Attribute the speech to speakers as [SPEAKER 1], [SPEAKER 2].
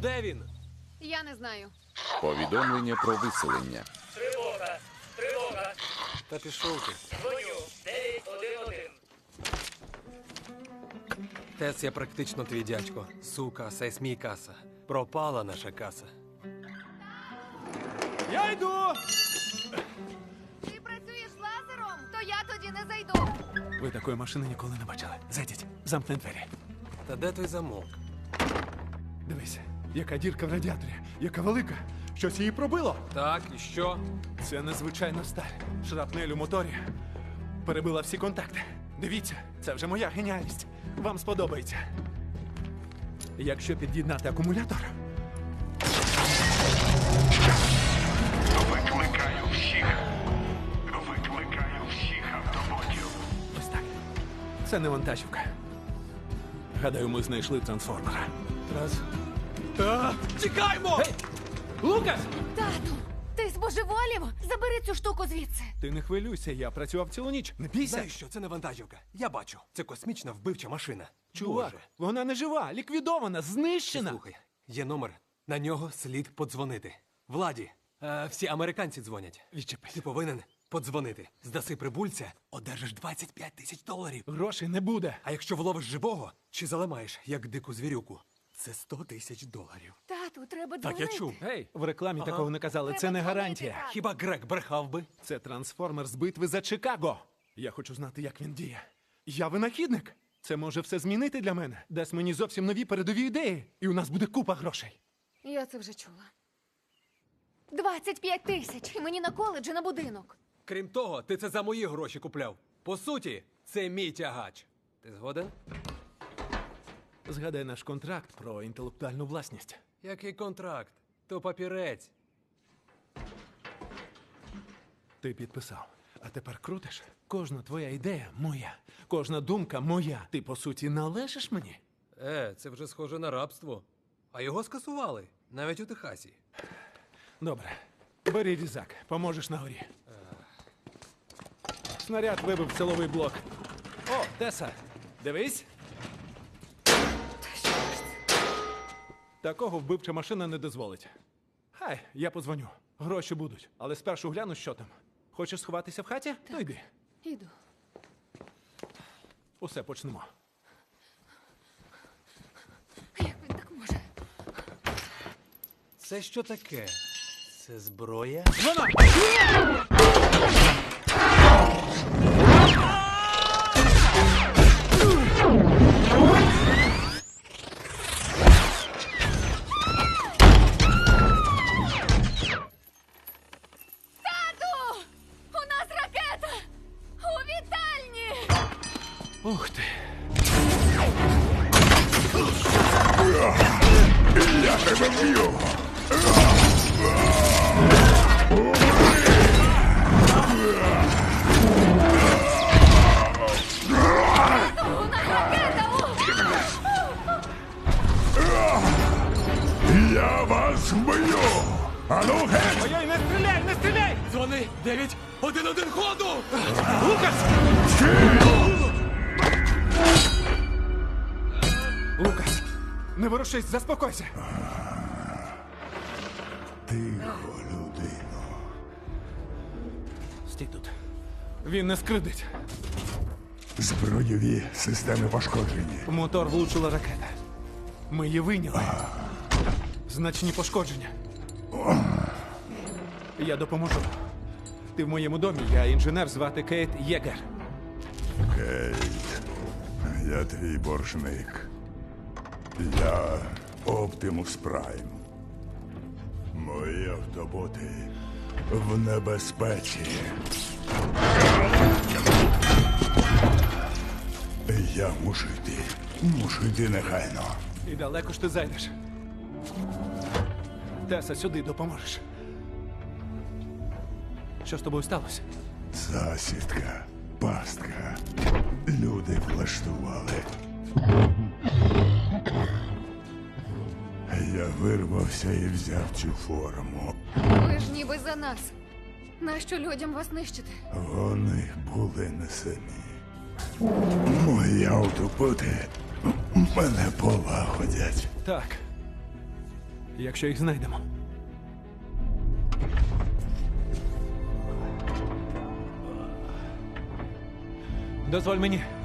[SPEAKER 1] де він?
[SPEAKER 2] Я не знаю.
[SPEAKER 3] Повідомлення про виселення.
[SPEAKER 4] Тривога! Тривога!
[SPEAKER 1] Та пішов ти.
[SPEAKER 4] Дзвоню! 911.
[SPEAKER 1] Тес, я практично твій дядько. Сука, сесь мій каса. Пропала наша каса.
[SPEAKER 5] Я йду!
[SPEAKER 2] Ти працюєш лазером? То я тоді не зайду.
[SPEAKER 5] Ви такої машини ніколи не бачили. Зайдіть, замкни двері.
[SPEAKER 1] Та де той замок?
[SPEAKER 5] Дивись, яка дірка в радіаторі, яка велика. Щось її пробило.
[SPEAKER 1] Так, і що?
[SPEAKER 5] Це незвичайна сталь. Шрапнель у моторі. Перебила всі контакти. Дивіться, це вже моя геніальність. Вам сподобається. Якщо під'єднати акумулятор,
[SPEAKER 6] Викликаю всіх. Викликаю всіх автоботів.
[SPEAKER 5] ось так. Це не вантажівка. Гадаю, ми знайшли трансформера.
[SPEAKER 1] Раз.
[SPEAKER 5] Так!
[SPEAKER 1] Тікаймо!
[SPEAKER 5] Гей! Лукас!
[SPEAKER 2] Тату, ти збожеволів? Забери цю штуку звідси.
[SPEAKER 5] Ти не хвилюйся, я працював цілу ніч. Не бійся.
[SPEAKER 1] Знаєш що, це не вантажівка. Я бачу. Це космічна вбивча машина.
[SPEAKER 5] Чувак,
[SPEAKER 1] Боже.
[SPEAKER 5] вона не жива, ліквідована, знищена.
[SPEAKER 1] Слухай, є номер. На нього слід подзвонити. Владі, всі американці дзвонять.
[SPEAKER 5] Відчепись.
[SPEAKER 1] Ти повинен подзвонити. Здаси прибульця, одержиш 25 тисяч доларів.
[SPEAKER 5] Грошей не буде.
[SPEAKER 1] А якщо вловиш живого, чи заламаєш, як дику звірюку, це 100 тисяч доларів.
[SPEAKER 2] Тату, треба
[SPEAKER 1] Так
[SPEAKER 2] дзвонити.
[SPEAKER 1] я чув.
[SPEAKER 5] Гей, в рекламі такого не казали. Це
[SPEAKER 2] Треба
[SPEAKER 5] не
[SPEAKER 2] дзвонити,
[SPEAKER 5] гарантія.
[SPEAKER 2] тату.
[SPEAKER 1] Хіба Грек брехав би?
[SPEAKER 5] Це трансформер з битви за Чикаго. Я хочу знати, як він діє. Я винахідник. Це може все змінити для мене. Дасть мені зовсім нові передові ідеї. І у нас буде купа грошей.
[SPEAKER 2] Я це вже чула. 25 тисяч. І мені на коледж і на будинок.
[SPEAKER 1] Крім того, ти це за мої гроші купляв. По суті, це мій тягач. Ти згоден?
[SPEAKER 5] Згадай наш контракт про інтелектуальну власність.
[SPEAKER 1] Який контракт? То папірець.
[SPEAKER 5] Ти підписав. А тепер крутиш. Кожна твоя ідея моя. Кожна думка моя. Ти, по суті, належиш мені.
[SPEAKER 1] Це вже схоже на рабство. А його скасували. Навіть у Техасі.
[SPEAKER 5] Добре. Бери різак, поможеш на горі. Снаряд вибив силовий блок. О, Теса, дивись. Такого вбивча машина не дозволить. Хай, я подзвоню. Гроші будуть. Але спершу гляну, що там. Хочеш сховатися в хаті? То йди.
[SPEAKER 2] Іду.
[SPEAKER 5] Усе, почнемо.
[SPEAKER 2] Як він так може?
[SPEAKER 1] Це що таке? Це зброя?
[SPEAKER 5] Вона!
[SPEAKER 2] Тату! У нас ракета! У вітальні!
[SPEAKER 5] Ух ти!
[SPEAKER 6] Я тебе вб'ю.
[SPEAKER 2] У нас ракета!
[SPEAKER 6] Я вас вб'ю. Ану геть!
[SPEAKER 5] Ой, не стріляй, не стріляй!
[SPEAKER 1] Дзвони! 911 ходу!
[SPEAKER 5] Лукас! Лукас, не ворушись, заспокойся.
[SPEAKER 6] Тихо, людино.
[SPEAKER 5] Стій тут. Він не скридить.
[SPEAKER 6] Збройові системи пошкоджені.
[SPEAKER 5] В мотор влучила ракета. Ми її вийняли. Значні пошкодження. Я допоможу. Ти в моєму домі, я інженер, звати Кейт Єгер.
[SPEAKER 6] Кейт, я твій боржник. Я Оптимус Прайм. Мої автоботи в небезпеці. Я мушу йти. Мушу йти негайно.
[SPEAKER 5] І далеко ж ти зайдеш. Теса, сюди допоможеш. Що з тобою сталося?
[SPEAKER 6] Засідка, пастка. Люди влаштували. Я вирвався і взяв цю форму.
[SPEAKER 2] Ви ж ніби за нас. Нащо людям вас нищити?
[SPEAKER 6] Вони були не самі. Мої автоботи мене полагодять.
[SPEAKER 5] Так. Якщо їх знайдемо. Дозволь мені.